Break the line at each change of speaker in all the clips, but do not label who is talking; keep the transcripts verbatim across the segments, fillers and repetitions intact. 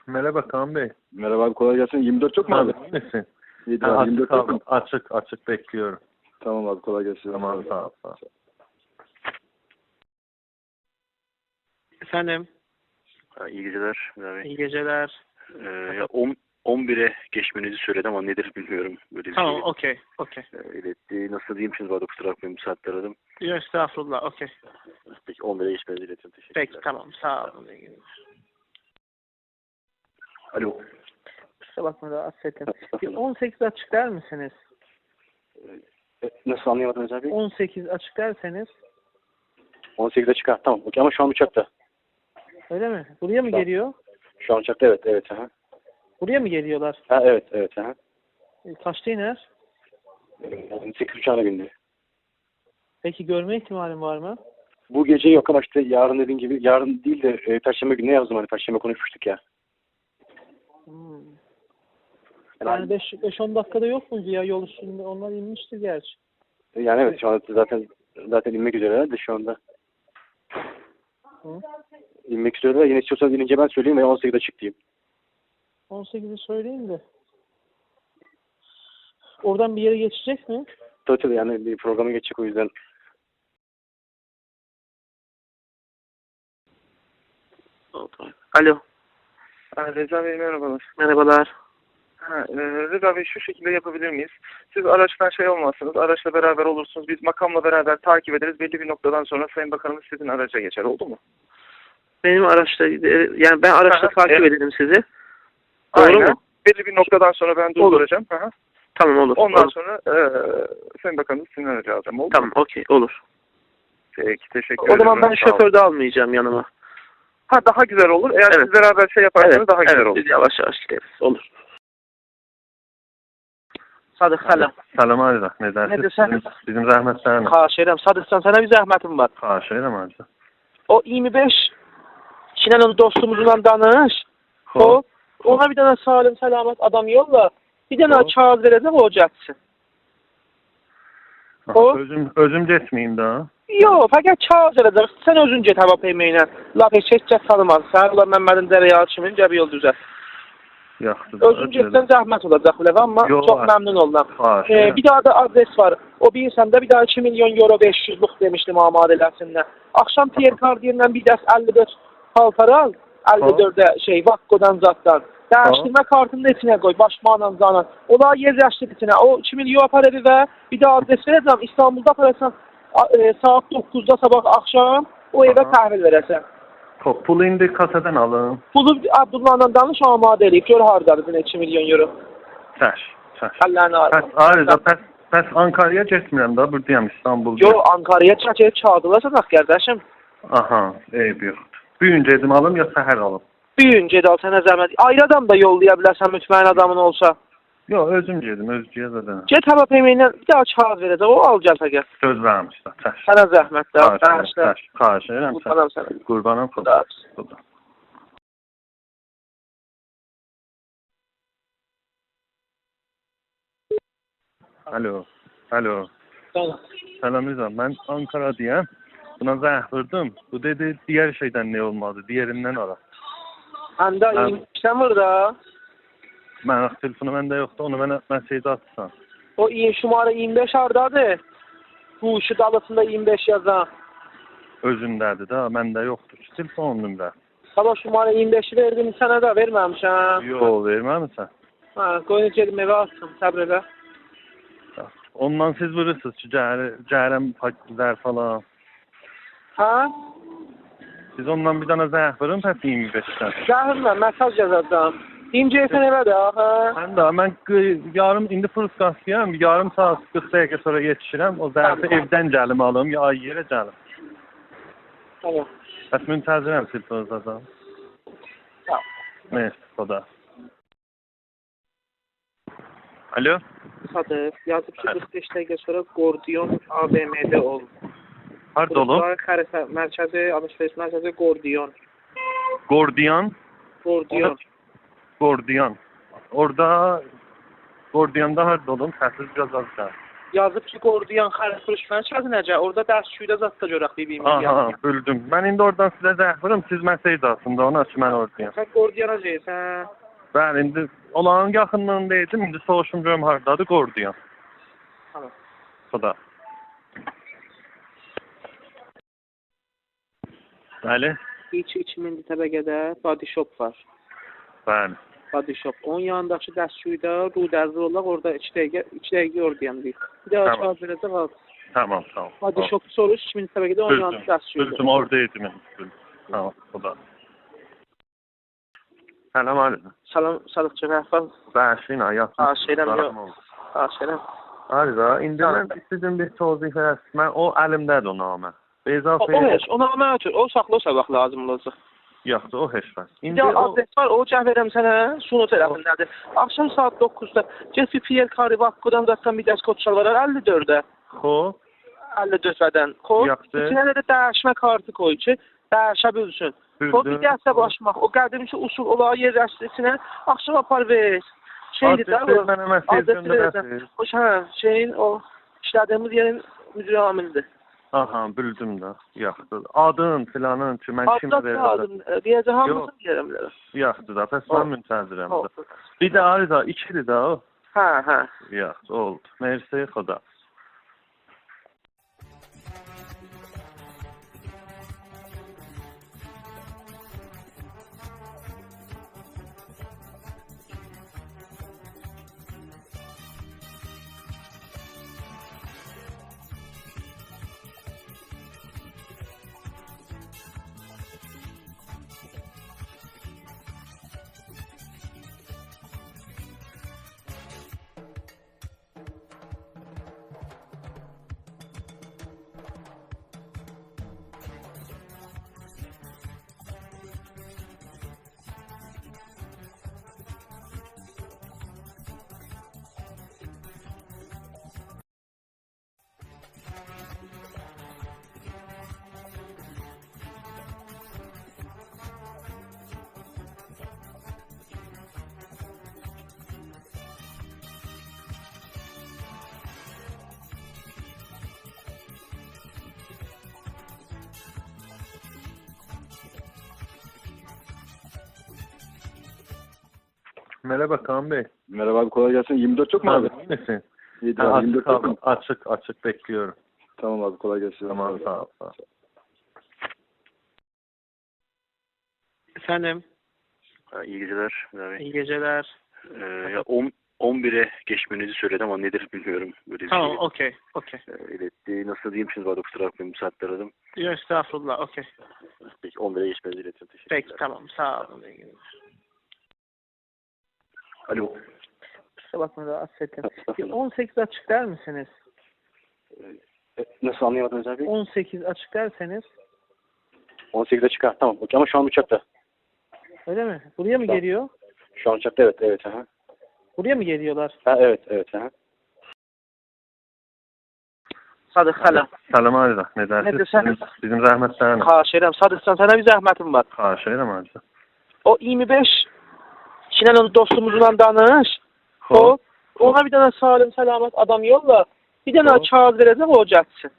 Merhaba Kaan Bey.
Merhaba abi, kolay gelsin. yirmi dört çok mu abi?
İyi misin?
İyidir
Ha,
abi,
açık,
yirmi dört yok
kaldım.
mu?
açık açık bekliyorum.
Tamam abi, kolay gelsin.
Tamam, sağ ol. Sağ ol.
Efendim,
Ha, İyi geceler. Abi.
iyi geceler.
Ee, ya on, on bire geçmenizi söyledim ama nedir bilmiyorum. Böyle bir
Tamam,
şey
okey, okey.
e, iletti. Nasıl diyeyim şimdi, bana kusura bakmayın, bu saatte aradım.
Yok, estağfurullah, okey.
Peki on bire geçmenizi iletiyorum. Teşekkürler.
Peki, tamam, sağ olun.
Alo.
Kusura bakma da affedin. Bir on sekiz açık der misiniz?
E, nasıl anlayamadınız abi?
on sekiz açık derseniz.
on sekizde çıkar. Tamam. Okey, ama şu an uçakta.
Öyle mi? Buraya mı
Tamam.
geliyor?
Şu an uçakta, evet. Evet. Aha.
Buraya mı geliyorlar?
Ha, evet. Evet. Aha.
E, Kaçta iner?
Yani sekiz uçağına bindi.
Peki görme ihtimalim var mı?
Bu gece yok ama işte yarın dediğin gibi, yarın değil de e, Perşembe günü ne yazdım, hani Perşembe konuşmuştuk ya.
Hmm.
Yani,
Yani beş on dakikada yok muydu ya yol üstünde? Onlar inmiştir gerçi.
yani evet, şu anda zaten zaten inmek üzereler de şu anda.
Hı?
İnmek üzereler. Yine istiyorsanız inince ben söyleyeyim veya on sekizde çık diyeyim.
on sekizi söyleyin de. Oradan bir yere geçecek mi?
Tabii tabii, yani bir programa geçecek, o yüzden.
Alo.
Ha, Reza Bey merhabalar.
Merhabalar.
Ha, e, Reza Bey, şu şekilde yapabilir miyiz? Siz araçtan şey olmazsınız, araçla beraber olursunuz. Biz makamla beraber takip ederiz. Belli bir noktadan sonra Sayın Bakanımız sizin araca geçer. Oldu mu?
Benim araçta, yani ben araçta
Aha,
takip
evet.
edelim sizi. Doğru
Aynen.
mu?
Belli bir noktadan sonra ben durduracağım. Aha.
Tamam, olur.
Ondan
olur.
sonra e, Sayın Bakanımız sizin aracı alacağım. Oldu
Tamam,
mu?
okey, olur.
Peki, teşekkür
O
ederim.
zaman ben
Sağ olun.
şoför de almayacağım yanıma.
Ha, daha güzel olur. Eğer
Evet.
siz beraber şey yaparsanız
Evet,
daha güzel
evet,
olur.
biz yavaş yavaş gideriz. Olur. Sadık, selam.
Salam Arda. Ne dersin?
Ne desen?
Bizim, bizim zahmetlerine.
Xahiş edirəm. Sadıqsan, sənə bir zəhmətim var.
Xahiş ederim Arda.
O iyirmi beş Şinan'ın dostumuzla danış. O, ona bir tane salim selamet adam yolla. Bir tane
Hop.
kağıt verəcəm, o getsin. O-
Özüm, özüm getmeyeyim daha.
Yox, fəqət kağıt verəcək. Sən özün get hava peyməyinə. Laf heç heç kəs tanımaz. Sən ulan Məmmədin Dərəyalı kimin gəbi yol düzət.
Yaxşı.
Özün getsən zəhmət olacaq biləv, amma
Yox,
çox
var.
məmnun oldum.
Xahiş
Ee,
ederim.
bir daha da adres var. O bilirsən də bir daha iki milyon euro beş yüzlük demişdim amadələsinə. Akşam Pierre Cardin'den bir dəst əlli dörd paltar al. əlli dördə şey Vakko'dan zatdan. Dəyişdirmə kartını da içinə qoy. Başmaqla zanan. Ola yerləşdir içinə. O iki milyon apar evi və bir daha adres verəcəm. İstanbulda aparacam e, saat doqquzda sabah akşam o evə təhvil verəsən.
Top, pulu indi kasadan alın.
Pulu Abdullah'la danış amadə eləyib. Gör hardadır iki milyon euro.
Səş. Səş.
Əllərini
Pəs
arasın.
Arda, pəs, pəs Ankara'ya getmirəm da. Buradayım İstanbul'da.
Yo, Ankara'ya çəkib çağırdılarsa kardeşim.
Aha, eyb yoxdur. Bugün gedim alım ya səhər alım?
Bir gün ged al sənə zəhmət. Ayrı adam da yollaya bilərsən mütməyin adamın olsa.
Yox, özüm gedim, özgüyə zaten.
Get hava peyməyinə bir daha kağıt verəcək. O al gəl fəqət.
Söz vermişlər. Səş.
Sənə zəhmət də.
Xahiş edirəm,
Bəşlə.
səş. Xahiş edirəm, səş.
Qurbanam sənə.
Qurbanım
Xuda.
xuda. Xuda. Alo. Alo. Selam Rıza. Ben Ankara'dayım. Buna zəh vurdum. Bu dedi diğer şeyden ne olmadı? Diğerinden ara.
Həndə
Hə.
iyimşən var da.
Mən telefonu məndə yoxdur. Onu mənə mesaj atsan.
O iyim şumara iyirmi beş hardadır. Bu işi dalısında iyirmi beş yazan.
Özündədir də. Məndə yoxdur. Telefon nömrə.
Sabah şumara iyirmi beşi verdim sənə də verməmişəm.
Yox, verməmisən.
Hə, qoyun gedim evə atsın. Səbr elə.
Ondan siz vurursunuz ki, cəhər, cəhərəm pakizlər falan.
Hə?
Siz ondan bir dana zəh vurun, pəs iyirmi beşdən.
Zəhrimlə mesaj yazacağım. İncəyəsən evə də, hə?
Həm də mən qı- yarım indi Fırskasıyam, yarım saat qırx dəqiqə sonra yetişirəm. O zərfi
Tamam.
evdən gəlim alım, ya yerə gəlim.
Tamam.
Bəs müntəzirəm telefonunuzdan.
Tamam.
Neyse, o da. Alo?
Sadıq, yazıb ki, qırx beş dəqiqə sonra Gordiyon A V M'də ol.
Harda olub?
Burası xəritə mərkəzi, alış-veriş mərkəzi Gordiyon.
Gordiyan.
Gordiyon.
Gordiyan. Orada Gordiyan'da harda olun? Səsiz biraz az gəlir.
yazıb ki, Qordiyan xərif xürüşməni çəzinəcək. Orada dərsçüydə zat da görək bibimiz
Aha,
yazır.
bildim. Ben indi oradan size zəhvirim, siz mesaj aslında ona ki ben oradayım.
Sən Qordiyana deyirsən.
Ben indi olağın yaxınlığındaydım, indi soruşum görüm hardadır, Qordiyan.
Tamam.
Xuda. Bəli,
İç iki min təbəqədə body shop var.
bəli.
Body shop. Onun yanındakı dərsçüydə Rudəzli olaq, orada iki dəqiqə, iki dəqiqə Qordiyan deyir. Bir daha
Tamam.
çağır verəcək al.
Tamam, tamam.
Body shop soruş iki min təbəqədə onun yanındakı
Bildim,
dərsçüydə.
bildim, oradaydım. Bildim. Tamam, xuda. Selam aleyküm.
Salam, Sadıq Cəfər.
Bəşin, ayat.
Ha, şeydən yox. Ha, şeydən.
Arıza, indi mən istədim bir tozih verəsin. Mən o əlimdədir o namə.
O,
Beyzafə...
o heç, ona mən ötür. O saxlı o sabah lazım olacaq.
Yoxdur, o heç var.
Bir
İndi
də
o...
adres var, o cəhv verəm sənə, Sunu tərəfindədir. Axşam saat doqquzda get bir Pierre Carré Vakkodan zaten bir dərs kod çalvarar əlli dördə.
Xo,
əlli dördən. Kod,
Yaxşı.
içinə də dəyişmə kartı koy ki, dəyişə bilsin. O bir dərsə başmaq, o qədimki usul olağı yerləşdirsinə, axşam apar ver. Şeydir də
adresi
o.
mənə mesaj
Adresi verəcəm.
göndərəsiniz.
O hə, şeyin o işlədiyimiz yerin müdür amilidir.
Aha, bildim də. Yaxdır. Adın, filanın ki, mən kim
Adres
verirəm.
lazım. Deyəcək hamısını
Yox.
deyərəm bilərəm.
Yaxdır da, pəs mən müntəzirəm
Oldu.
də. Bir də arıza, ikidir də o.
Hə, hə.
Yaxdır, oldu. Mersi, xuda. Merhaba Kaan Bey.
Merhaba abi, kolay gelsin. yirmi dört yok mu abi?
İyi misin?
İyi
Ha,
abi,
açık,
yirmi dört yok
abi,
mu?
açık, açık bekliyorum.
Tamam abi, kolay gelsin.
Tamam, sağ ol. Sağ ol.
Efendim,
Ha, iyi geceler. Abi.
iyi geceler.
Ee, ya on, on bire geçmenizi söyledi ama nedir bilmiyorum. Böyle bir
Tamam,
şey
okey, okey.
e, iletti. Nasıl diyeyim şimdi bana kusura bakmayın, bu saatte aradım.
Yok, estağfurullah, okey.
Peki on bire geçmenizi iletiyorum. Teşekkürler.
Peki, tamam, sağ olun.
Alo.
Kusura bakma da affedin. Bir on sekiz açık der misiniz?
E, nasıl anlayamadınız abi?
on sekiz açık derseniz,
on sekizde çıkar. Tamam. Okey ama şu an uçakta.
öyle mi? Buraya mı
Tamam.
geliyor?
Şu an uçakta, evet. Evet. Aha.
Buraya mı geliyorlar?
Ha, evet. Evet. Aha.
Sadık, selam.
Selam Arıza, ne
Ne
dersiniz?
desem?
Bizim, bizim zəhmətlərinə.
Xahiş edirəm, Sadıqsan, sənə bir zəhmətim var.
Xahiş edirəm Arıza.
O iyirmi beş kişinin onu dostumuzla danış. O, ona bir tane salim, selamet adam yolla. Bir tane
Hop.
kağıt verəcək, o getsin.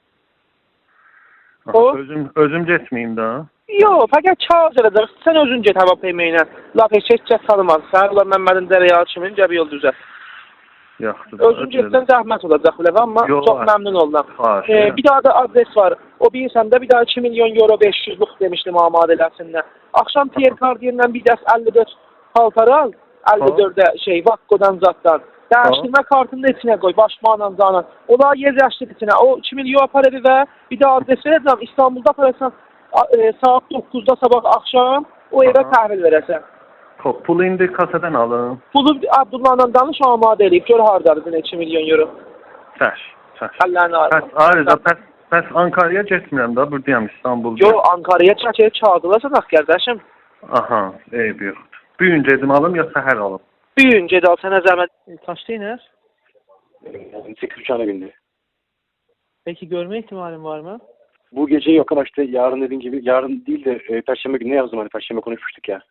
Aha,
O-
Özüm, özüm getməyim də.
Yox, fəqət kağıt verəcək. Sən özün get hava peyməyinə. Laf heç heç tanımaz. Sən ulan Məmmədin Dərəyalı kimi gəbi yol düzə.
Yaxşı.
Özün getsən zəhmət olacaq biləv, amma
Yox,
çox
hə.
məmnun oldum.
Xahiş
Ee,
edirəm.
bir daha da adres var. O bilirsən də bir daha iki milyon euro beş yüzlük demişdim amadələsinə. Axşam Pierre Cardin'dən bir dəst əlli dörd paltar al. əlli dördə şey Vakkodan zatdan. Dəyişdirmə kartını da içinə qoy, başmaqla canan. Ola yerləşdir içinə. O iki milyon apar evi və bir daha adres verəcəm. İstanbulda aparırsan e, saat doqquzda sabah axşam o evə
Aha.
təhvil verəsən.
Xo, pulu indi kasadan alın.
Pulu Abdullahla danış, amadə eləyib. Gör hardadır yine iki milyon euro.
Səş, səş.
Əllərini
Pəs
arasın.
Arıza, pəs, pəs Ankara'ya getmirəm də, buradayam İstanbulda.
Yo, Ankara'ya çəkib çağırdılarsa bax qardaşım.
Aha, eyb yoxdur. Bir gün gedim alım, ya səhər alım.
Bir gün ged al sənə zəhmət. Kaçta iner?
sekiz uçağına bindi.
Peki görme ihtimalin var mı?
Bu gece yok ama işte yarın dediğin gibi, yarın değil de e, Perşembe günü ne yazdım hani Perşembe konuşmuştuk ya.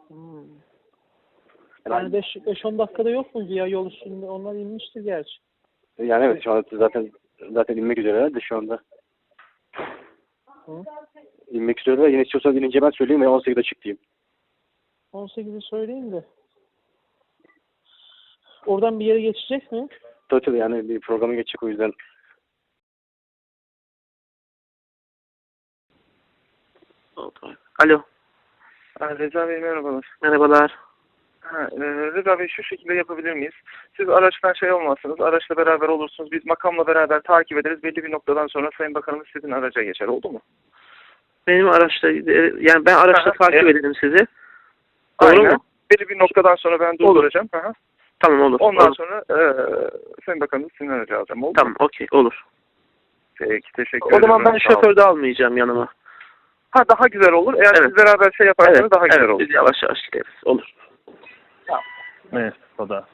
Hmm. Yani beş on dakikada yok muydu ya yol üstünde? Onlar inmiştir gerçi.
Yani evet şu anda zaten zaten inmek üzereler de şu anda.
Hı?
İnmek üzereler. Yine istiyorsanız inince ben söyleyeyim ve on sekizde çık diyeyim.
on sekizi söyleyeyim de. Oradan bir yere geçecek mi?
Tabii tabii yani bir programa geçecek o yüzden.
Alo.
Ha, Reza Bey merhabalar.
Merhabalar.
Ha, e, Reza Bey şu şekilde yapabilir miyiz? Siz araçtan şey olmazsınız, araçla beraber olursunuz. Biz makamla beraber takip ederiz. Belli bir noktadan sonra Sayın Bakanımız sizin araca geçer. Oldu mu?
Benim araçta yani ben araçta
Aha,
takip
evet.
ederim sizi. Doğru
Aynen.
mu?
Belli bir noktadan sonra ben durduracağım. Aha.
Tamam olur.
Ondan
olur.
sonra e, Sayın Bakanımız sizin aracı alacağım. Oldu
Tamam
mu?
okey olur.
Peki teşekkür
O
ederim.
zaman ben
Sağ olun.
şoför de almayacağım yanıma.
Ha daha güzel olur. Eğer
Evet.
siz beraber şey yaparsanız
Evet,
daha güzel
evet
olur.
biz yavaş yavaş gideriz. Olur.
Neyse o da.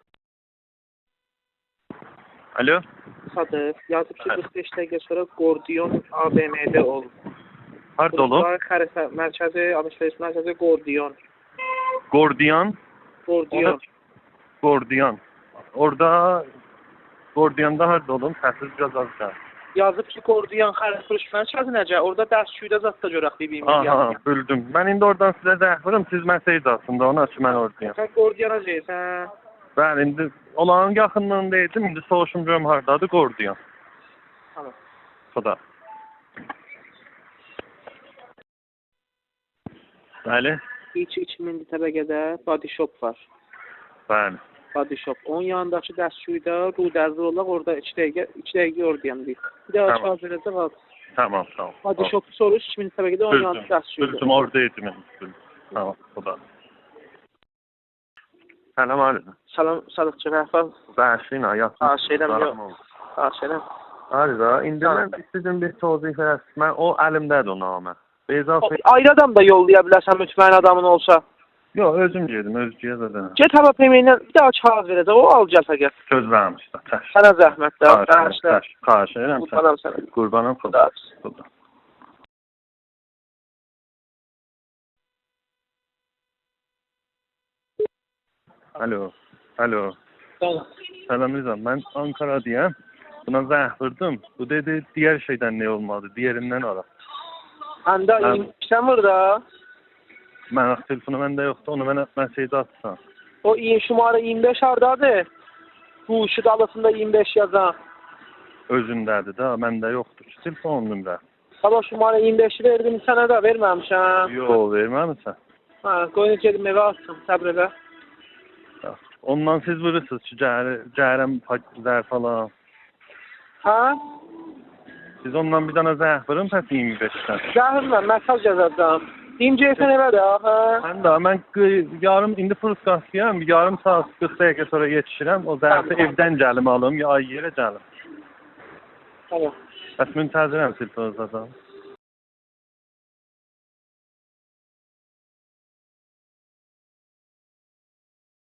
Alo.
Sadı yazıp ki
Evet.
kırk beş dəqiqə sonra Gordiyon A B M'de ol.
Harda olub?
Xəritə mərkəzi, alışveriş mərkəzi Gordiyon.
Gordiyan.
Gordiyon.
Gordiyan. Orada Gordiyanda harda olun? Səsiz biraz az gəl.
Yazıb ki Gordiyon xəritə mərkəzi necə? Orada dərsçüydə zat da görək bir-birimiz
Aha,
yanına.
bildim. Mən indi oradan sizə zəng vururum, siz məsəj aslında, ona ki mən oradayım.
Sən Gordiyona deyirsən.
Bəli, indi olağın yaxınlığında idim, indi soruşum görüm hardadır Gordiyan.
Tamam.
Xuda. Bəli,
İç iki min təbəqədə body shop var.
bəli.
Body shop. Onun yanındakı dərsçüydə Rudəzli olaq, orada iki dəqiqə, iki dəqiqə Gordiyon deyil. Bir daha
Tamam.
çağır verəcək al.
Tamam, tamam.
Body shop soruş iki min təbəqədə onun yanında
Bildim,
dərsçüydə.
bildim, oradaydım. Bildim. Tamam, xuda. Səlam aleyküm.
Salam, Sadıqçı Rəfəl.
Bəşina, yaxşı.
Ha, şeydən yox. Ha, şeydən.
Harada, indi mən istədim bir tozih verəsin. Mən o əlimdədir o namə. Beyza
O, ayrı adam da yollaya bilərsən mütməyin adamın olsa.
Yox, özüm gedim, özgüyə zaten.
Get hava pemeyindən bir daha kağız verəcək, o al gəl fəqət.
Söz vermişlər, təş.
Sənə zəhmət də.
Xahiş edirəm, təş. Xahiş edirəm, təş.
Qurbanam sənə.
Qurbanım xuda. Xuda. Alo, alo. Selam Rıza, ben Ankara'dayım. Buna zəng vurdum. Bu dedi diğer şeyden ne olmadı, diğerinden ara.
Həndə
Hə.
iymişsən burada.
Mən telefonu məndə yoxdur, onu mənə mesaj atsan.
O iyi şumara iyirmi beş hardadır? Bu ışık alısında iyirmi beş yazan.
Özündədir də, məndə yoxdur ki, telefon nömrə.
Sabah şumara iyirmi beşi verdim sənə də verməmişəm.
Yox, verməmisən.
Hə, qoyun gedim evə atsın, səbr elə.
Ondan siz vurursunuz ki, cəhər, cəhərəm pakizlər falan.
Hə?
Siz ondan bir dana zəng vurun, pəs iyirmi beşdən.
Zəhrimlə mesaj yazacağım. İyim gəlsən evə də, hə?
Mən də, mən qı- yarım, indi Fırskasıyam, yarım saat qırx dəqiqə sonra yetişirəm. O zərfi
Tamam.
evdən gəlim alım, ya yerə gəlim.
Tamam.
Bəs müntəzirəm telefonunuza da.